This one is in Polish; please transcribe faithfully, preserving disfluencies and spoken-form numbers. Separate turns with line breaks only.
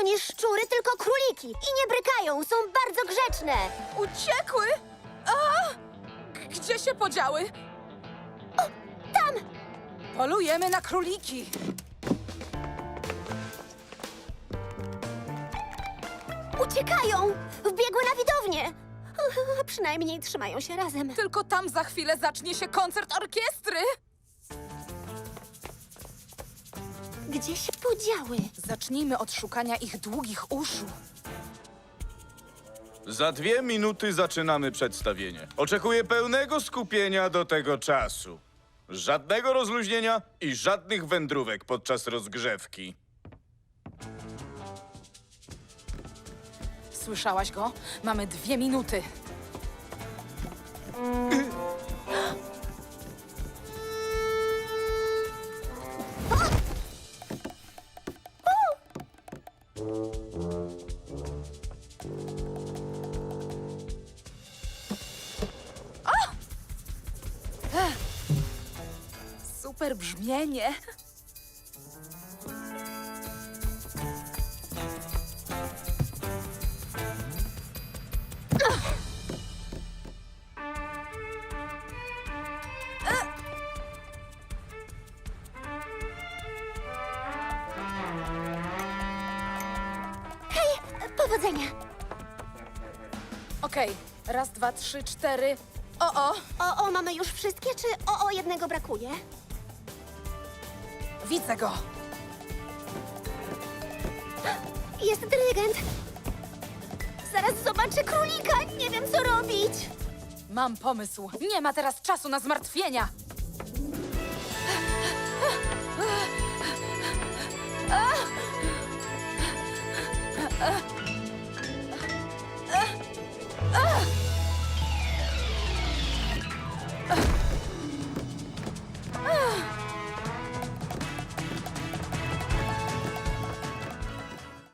To nie szczury, tylko króliki. I nie brykają, są bardzo grzeczne.
Uciekły? A! G- Gdzie się podziały?
Tam!
Polujemy na króliki.
Uciekają! Wbiegły na widownię. Przynajmniej trzymają się razem.
Tylko tam za chwilę zacznie się koncert orkiestry.
Gdzie się podziały?
Zacznijmy od szukania ich długich uszu.
Za dwie minuty zaczynamy przedstawienie. Oczekuję pełnego skupienia do tego czasu. Żadnego rozluźnienia i żadnych wędrówek podczas rozgrzewki.
Słyszałaś go? Mamy dwie minuty. Super brzmienie.
Powodzenia!
Okej, raz, dwa, trzy, cztery. O, o,
O, o, mamy już wszystkie, czy o, o, jednego brakuje?
widzę go.
Jest dyrygent. Zaraz zobaczę królika. Nie wiem, co robić.
Mam pomysł. Nie ma teraz czasu na zmartwienia.